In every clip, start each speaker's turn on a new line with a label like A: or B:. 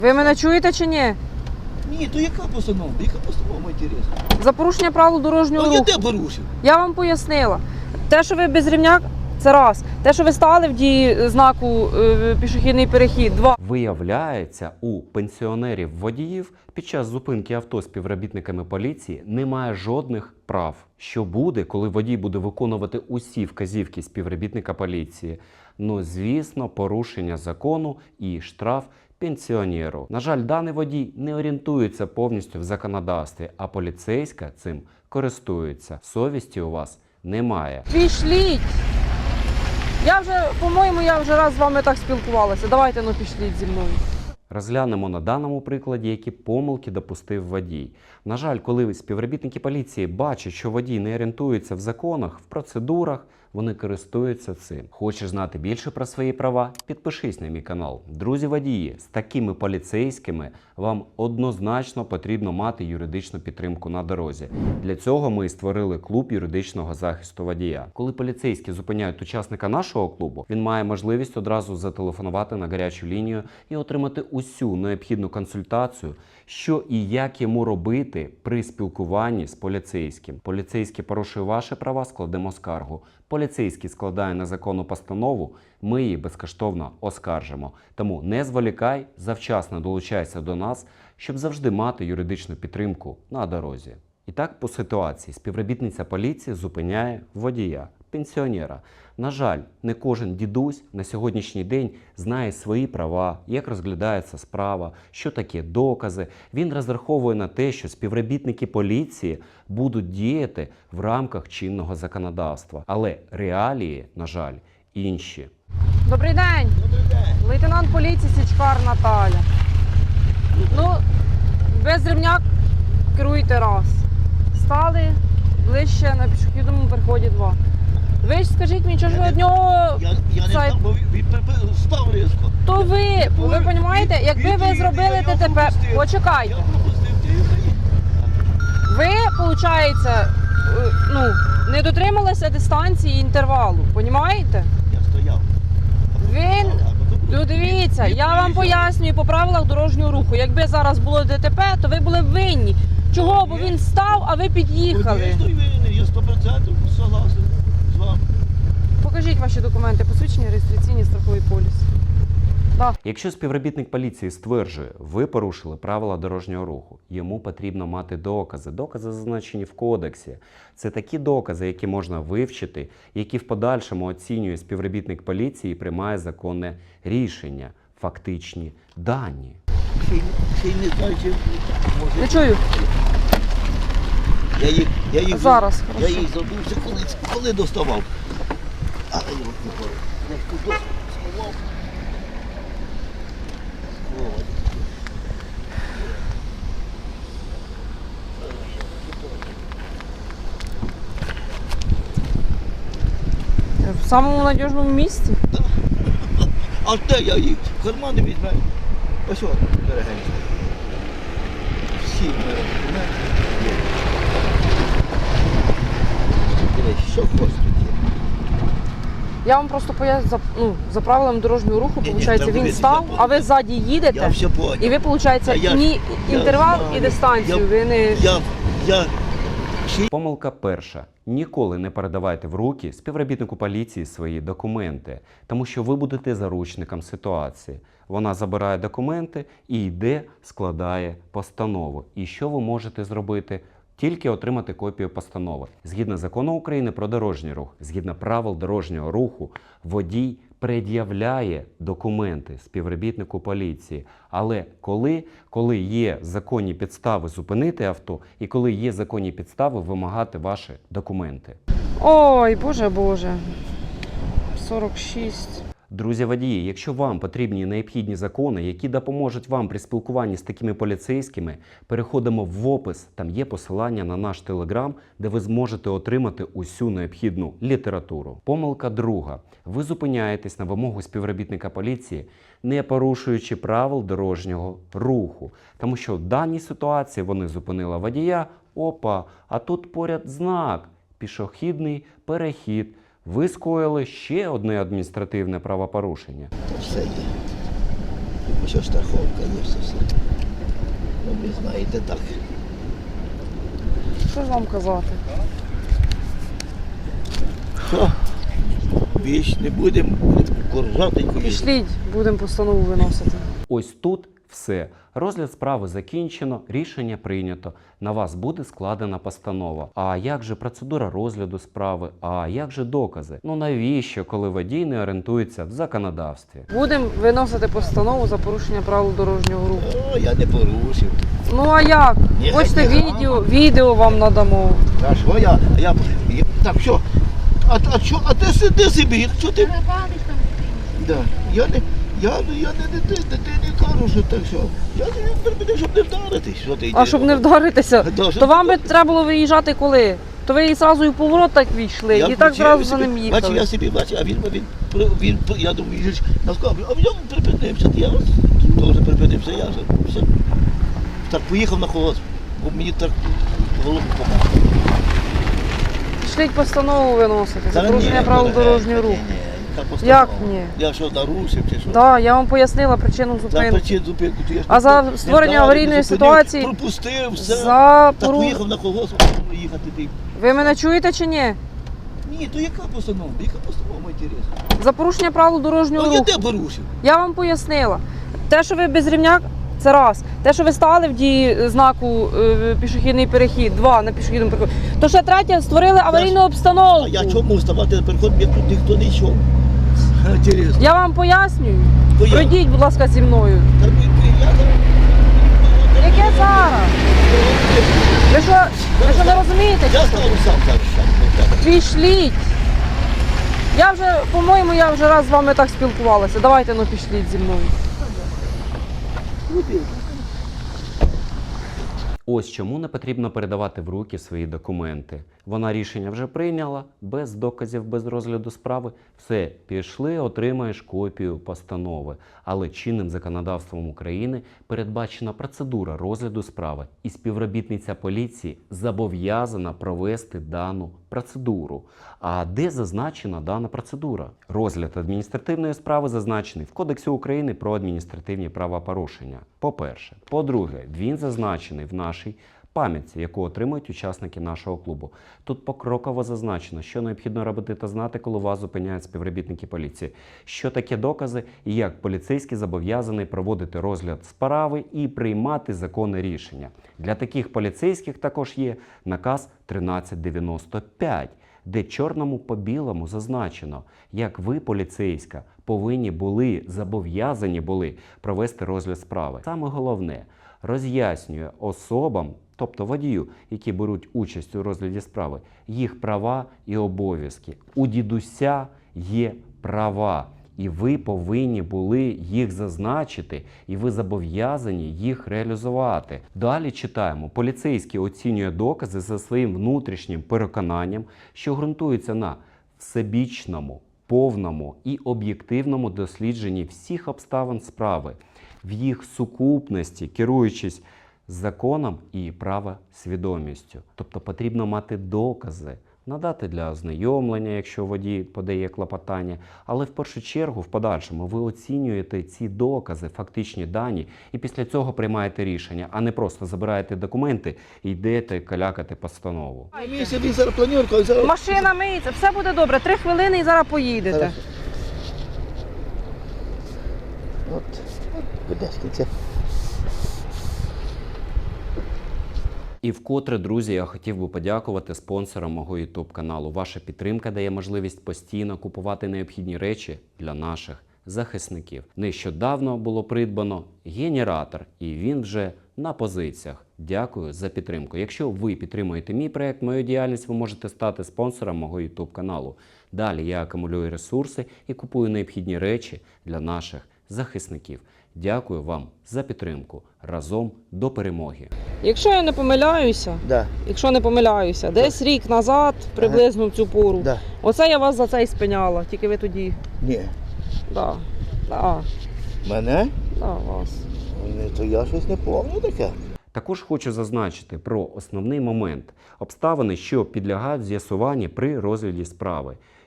A: Ви мене чуєте чи ні?
B: Ні, то яка постанова? Яка постанова, інтересно?
A: За порушення правил дорожнього
B: А я
A: руху.
B: де порушив?
A: Я вам пояснила. Те, що ви без рівня, це раз. Те, що ви стали в дії знаку пішохідний перехід, два.
C: Виявляється, у пенсіонерів-водіїв під час зупинки авто співробітниками поліції немає жодних прав. Що буде, коли водій буде виконувати усі вказівки співробітника поліції? Ну, звісно, порушення закону і штраф пенсіонеру. На жаль, даний водій не орієнтується повністю в законодавстві, а поліцейська цим користується. Совісті у вас немає.
A: Пішліть! По-моєму, я вже раз з вами так спілкувалася. Давайте, пішліть зі мною.
C: Розглянемо на даному прикладі, які помилки допустив водій. На жаль, коли співробітники поліції бачать, що водій не орієнтується в законах, в процедурах, вони користуються цим. Хочеш знати більше про свої права? Підпишись на мій канал. Друзі водії, з такими поліцейськими вам однозначно потрібно мати юридичну підтримку на дорозі. Для цього ми і створили клуб юридичного захисту водія. Коли поліцейські зупиняють учасника нашого клубу, він має можливість одразу зателефонувати на гарячу лінію і отримати усю необхідну консультацію, що і як йому робити при спілкуванні з поліцейським. Поліцейський порушує ваші права, складемо скаргу. Поліцейський складає незаконну постанову, ми її безкоштовно оскаржимо. Тому не зволікай, завчасно долучайся до нас, щоб завжди мати юридичну підтримку на дорозі. І так по ситуації співробітниця поліції зупиняє водія, пенсіонера. На жаль, не кожен дідусь на сьогоднішній день знає свої права, як розглядається справа, що таке докази. Він розраховує на те, що співробітники поліції будуть діяти в рамках чинного законодавства. Але реалії, на жаль, інші.
A: Добрий день!
B: Добрий день.
A: Лейтенант поліції Січкар Наталя. Без рівня керуйте раз. Стали ближче на пішохідному переході два. Ви ж скажіть мені, чого ж ви від нього...
B: Я не став, бо він став різко.
A: То ви розумієте, якби ви зробили ДТП... Почекайте.
B: Я пропустив, ти її.
A: Ви, виходить, не дотрималися дистанції і інтервалу, розумієте?
B: Я стояв.
A: Він... Дивіться, я вам пояснюю по правилах дорожнього руху. Якби зараз було ДТП, то ви були б винні. Чого? Бо він став, а ви під'їхали.
B: Я винний, я 100% согласен з вами.
A: Покажіть ваші документи, посвідчення, реєстраційний страховий поліс. Да.
C: Якщо співробітник поліції стверджує, ви порушили правила дорожнього руху, йому потрібно мати докази. Докази зазначені в кодексі. Це такі докази, які можна вивчити, які в подальшому оцінює співробітник поліції і приймає законне рішення, фактичні дані.
B: Ще й не знаю, чи може...
A: Не чую.
B: Я їх
A: Зараз,
B: я
A: хорошо.
B: їх забувся, коли доставав. Але я от не пора. Я ж тут сховав.
A: В самому надіжному місці.
B: А де я їх? В кармани візьму. Ось от, дорогенько. Всі документи є. Дивись, що хочеш тут є.
A: Я вам просто поясню, за правилами дорожнього руху,
B: Ні,
A: виходить,
B: там
A: він
B: дивіться,
A: став,
B: я
A: а ви ззаді
B: Я
A: їдете,
B: все поняв.
A: і ви, виходить,
B: я
A: інтервал
B: знаю.
A: і дистанцію, ви не...
B: Я
C: Помилка перша. Ніколи не передавайте в руки співробітнику поліції свої документи, тому що ви будете заручником ситуації. Вона забирає документи і йде, складає постанову. І що ви можете зробити? Тільки отримати копію постанови. Згідно закону України про дорожній рух, згідно правил дорожнього руху, водій пред'являє документи співробітнику поліції. Але коли є законні підстави зупинити авто і коли є законні підстави вимагати ваші документи.
A: Ой, боже. 46.
C: Друзі водії, якщо вам потрібні необхідні закони, які допоможуть вам при спілкуванні з такими поліцейськими, переходимо в опис, там є посилання на наш телеграм, де ви зможете отримати усю необхідну літературу. Помилка друга. Ви зупиняєтесь на вимогу співробітника поліції, не порушуючи правил дорожнього руху. Тому що в даній ситуації вони зупинили водія, а тут поряд знак «Пішохідний перехід». Ви скоїли ще одне адміністративне правопорушення.
B: все є. Ось ось страховка є все. Ну, ви знаєте, так.
A: Що ж вам казати?
B: Що? Більш не будемо коржатенько їздити.
A: Пішліть, будемо постанову виносити.
C: Ось тут все. Розгляд справи закінчено, рішення прийнято. На вас буде складена постанова. А як же процедура розгляду справи? А як же докази? Ну навіщо, коли водій не орієнтується в законодавстві?
A: Будемо виносити постанову за порушення правил дорожнього руху.
B: О, я не порушив.
A: Ну а як?
B: Ні,
A: Хочете
B: ні,
A: відео вам надамо.
B: А що я... Так, що? А ти сиди собі, що ти... Да. Я не дитині кажу, що так що. Я тобі припинив, щоб не вдаритись. Що ти
A: А щоб не вдаритися,
B: Да,
A: то вам би треба було виїжджати коли? То ви і одразу і в поворот так війшли, і так зразу за ним їхали.
B: Бачу, я собі бачу, а він я думаю, їжджеш на скоблю, а він припинився. Я теж припинився, я вже все. Так поїхав на холод, бо мені так голову помагав.
A: Пішліть постанову виносити за порушення правил дорожнього руху. Як ні?
B: Я що, нарушив чи що?
A: Так, я вам пояснила причину
B: За
A: зупинки.
B: причину зупинку.
A: А за створення аварійної ситуації
B: пропустив, все.
A: за
B: Так
A: пору...
B: поїхав на колгосп, їхати ти.
A: Ви мене чуєте чи ні?
B: Ні, то яка постанова? Яка постанова, інтересно?
A: За порушення правил дорожнього
B: Ну, я
A: руху.
B: де порушив?
A: Я вам пояснила. Те, що ви без рівня, це раз. Те, що ви стали в дії знаку пішохідний перехід, два на пішохідному переході. То ще третє, створили аварійну обстановку.
B: А я чому ставати на переход, як тут ніхто не йшов? Інтересно.
A: Я вам пояснюю.
B: То я-
A: Пройдіть, будь ласка, зі мною.
B: Та я
A: Яке зараз? Ви що не розумієте?
B: Я стану сам зараз.
A: Пішліть. Я вже, по-моєму, я вже раз з вами так спілкувалася. Давайте, ну пішліть зі мною.
C: Ось чому не потрібно передавати в руки свої документи. Вона рішення вже прийняла, без доказів, без розгляду справи. Все, пішли, отримаєш копію постанови. Але чинним законодавством України передбачена процедура розгляду справи, і співробітниця поліції зобов'язана провести дану процедуру. А де зазначена дана процедура? Розгляд адміністративної справи зазначений в Кодексі України про адміністративні правопорушення. По-перше. По-друге, він зазначений в нашій пам'ятці, яку отримують учасники нашого клубу. Тут покроково зазначено, що необхідно робити та знати, коли вас зупиняють співробітники поліції. Що таке докази і як поліцейський зобов'язаний проводити розгляд справи і приймати законне рішення. Для таких поліцейських також є наказ 1395, де чорному по білому зазначено, як ви, поліцейська, зобов'язані були провести розгляд справи. Саме головне, роз'яснює особам, тобто водію, які беруть участь у розгляді справи, їх права і обов'язки. У дідуся є права, і ви повинні були їх зазначити, і ви зобов'язані їх реалізувати. Далі читаємо. Поліцейський оцінює докази за своїм внутрішнім переконанням, що ґрунтується на всебічному, повному і об'єктивному дослідженні всіх обставин справи, в їх сукупності, керуючись законом і правосвідомістю. Тобто потрібно мати докази, надати для ознайомлення, якщо водій подає клопотання, але в першу чергу, в подальшому, ви оцінюєте ці докази, фактичні дані, і після цього приймаєте рішення, а не просто забираєте документи і йдете калякати постанову.
B: Місяць він зараз планірка, і зараз...
A: Машина миється, все буде добре. 3 хвилини і зараз поїдете.
B: Хорошо. От, кудись це.
C: І вкотре, друзі, я хотів би подякувати спонсорам мого YouTube каналу. Ваша підтримка дає можливість постійно купувати необхідні речі для наших захисників. Нещодавно було придбано генератор, і він вже на позиціях. Дякую за підтримку. Якщо ви підтримуєте мій проект, мою діяльність, ви можете стати спонсором мого YouTube каналу. Далі я акумулюю ресурси і купую необхідні речі для наших захисників. Дякую вам за підтримку. Разом до перемоги.
A: Якщо я не помиляюся,
B: Да.
A: десь рік назад, приблизно в цю пору,
B: Да.
A: оце я вас за це і спиняла, тільки ви тоді.
B: Ні.
A: Да. Да.
B: Мене?
A: Да, вас.
B: То я щось не пам'ятаю таке.
C: Також хочу зазначити про основний момент – обставини, що підлягають з'ясуванню при розгляді справи.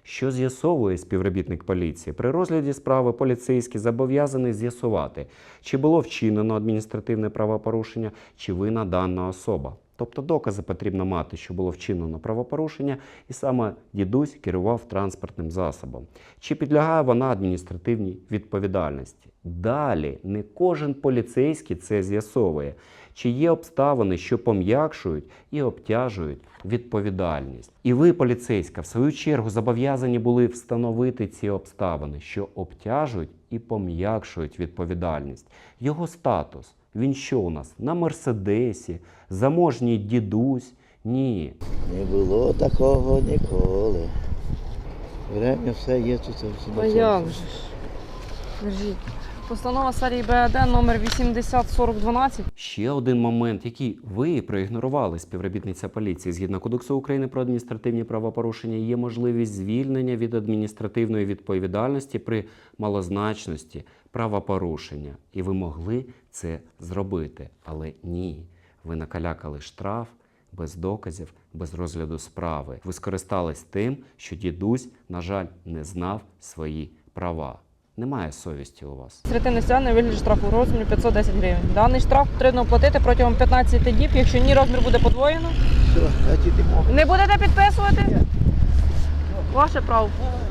C: Що з'ясовує співробітник поліції? При розгляді справи поліцейський зобов'язаний з'ясувати, чи було вчинено адміністративне правопорушення, чи винна дана особа. Тобто докази потрібно мати, що було вчинено правопорушення, і саме дідусь керував транспортним засобом. Чи підлягає вона адміністративній відповідальності? Далі, не кожен поліцейський це з'ясовує. Чи є обставини, що пом'якшують і обтяжують відповідальність. І ви, поліцейська, в свою чергу зобов'язані були встановити ці обставини, що обтяжують і пом'якшують відповідальність. Його статус. Він що у нас? На Мерседесі? Заможній дідусь? Ні.
B: Не було такого ніколи. Время все є, тут все
A: А як же ж? Держіть. Постанова серії БАД номер 804012.
C: Ще один момент, який ви проігнорували, співробітниця поліції. Згідно Кодексу України про адміністративні правопорушення, є можливість звільнення від адміністративної відповідальності при малозначності правопорушення. І ви могли це зробити. Але ні, ви накалякали штраф без доказів, без розгляду справи. Ви скористались тим, що дідусь, на жаль, не знав свої права. Немає совісті у вас.
A: Адміністративне стягнення у вигляді штрафу у розмірі 510 гривень. Даний штраф потрібно оплатити протягом 15 діб. Якщо ні, розмір буде подвоєно.
B: Все, я йдемо.
A: Не будете підписувати? Ваше право.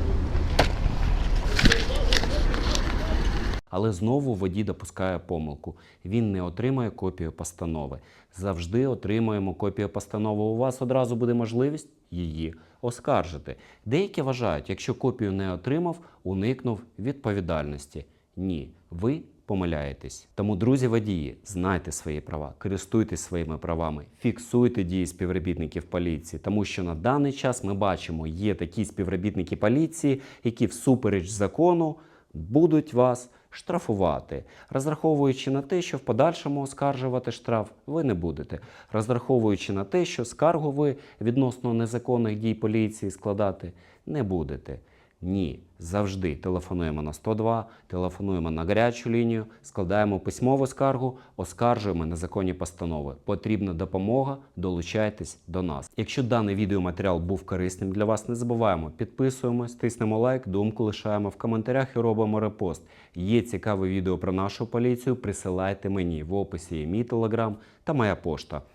C: Але знову водій допускає помилку. Він не отримає копію постанови. Завжди отримуємо копію постанови. У вас одразу буде можливість її оскаржити. Деякі вважають, якщо копію не отримав, уникнув відповідальності. Ні, ви помиляєтесь. Тому, друзі водії, знайте свої права, користуйтесь своїми правами, фіксуйте дії співробітників поліції, тому що на даний час ми бачимо, є такі співробітники поліції, які всупереч закону будуть вас штрафувати, розраховуючи на те, що в подальшому оскаржувати штраф ви не будете, розраховуючи на те, що скаргу ви відносно незаконних дій поліції складати не будете. Ні, завжди телефонуємо на 102, телефонуємо на гарячу лінію, складаємо письмову скаргу, оскаржуємо незаконні постанови. Потрібна допомога, долучайтесь до нас. Якщо даний відеоматеріал був корисним для вас, не забуваємо, підписуємось, тиснемо лайк, думку лишаємо в коментарях і робимо репост. Є цікаве відео про нашу поліцію, присилайте мені, в описі є мій телеграм та моя пошта.